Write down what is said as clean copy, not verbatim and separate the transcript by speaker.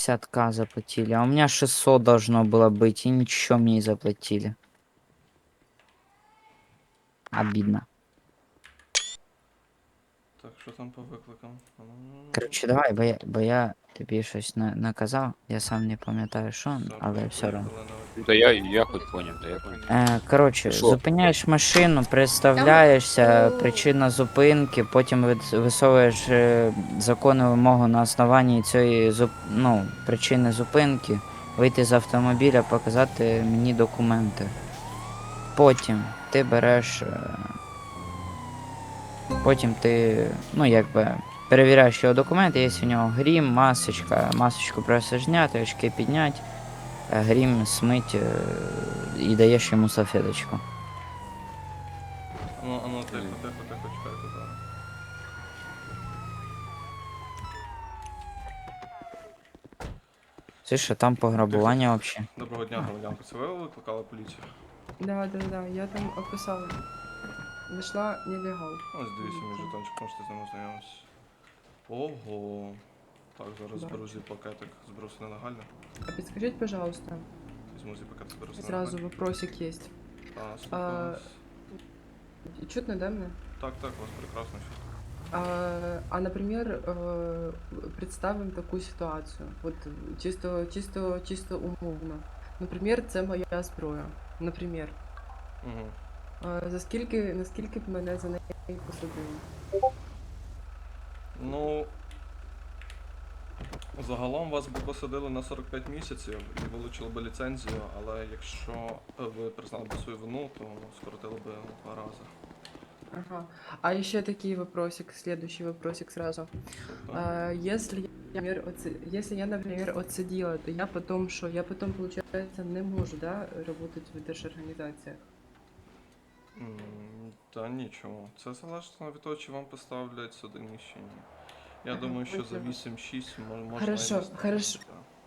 Speaker 1: 50к заплатили, а у меня 600 должно было быть, и ничего мне не заплатили. Обидно.
Speaker 2: Так, що там по викликам?
Speaker 1: Короче, давай, бо я тобі щось наказав, я сам не пам'ятаю що,
Speaker 2: Все,
Speaker 1: але все одно.
Speaker 2: поїхали на
Speaker 3: Ну, да я хоть понял, да я понял.
Speaker 1: Коротше,
Speaker 3: Що?
Speaker 1: зупиняєш машину, представляєшся, причина зупинки, потім висовуєш законну вимогу на основанні цієї причини зупинки, вийти з автомобіля, показати мені документи. Потім ти береш. Потім ти, перевіряєш його документи, є у нього грім, масочка, масочку просто зняти, очки підняти, грім смить і даєш йому салфеточку.
Speaker 2: Тихо, чекайте зараз.
Speaker 1: Це що там пограбування взагалі?
Speaker 2: Доброго дня, громадянка. Це ви викликали поліцію?
Speaker 4: Да, я там описала. Нашла нелегал.
Speaker 2: Ось дивіться, мій жетончик, можете з ним ознайомитися. Ого. Так, зараз
Speaker 4: Да.
Speaker 2: зберу зі пакетик. Зберу все нелегально.
Speaker 4: А подскажите, пожалуйста,
Speaker 2: Візьму зі пакетик, зберу все
Speaker 4: сразу
Speaker 2: нелегально.
Speaker 4: вопросик есть.
Speaker 2: Слухаю вас.
Speaker 4: Чутно, да, мне?
Speaker 2: Так, у вас прекрасно чутно.
Speaker 4: Например, представим такую ситуацию. Вот чисто умовно. Наприклад, це моя зброя. Наприклад.
Speaker 2: Угу.
Speaker 4: Наскільки б мене за неї посадили?
Speaker 2: Ну, загалом вас би посадили на 45 місяців і вилучили би ліцензію, але якщо ви признали б свою вину, то скоротили би 2 рази.
Speaker 4: Ага. А еще такие вопросик, следующий вопросик сразу. Если я, например, отсидела, то я потом, получается, не можу, да, работать в держорганізаціях?
Speaker 2: Та нічого. Це залежить від того, чи вам поставлять судиміщення. Я
Speaker 4: Ага,
Speaker 2: думаю, що за
Speaker 4: поняла.
Speaker 2: 8-6 можна
Speaker 4: Хорошо,
Speaker 2: і не ставити,
Speaker 4: хорошо.
Speaker 2: так.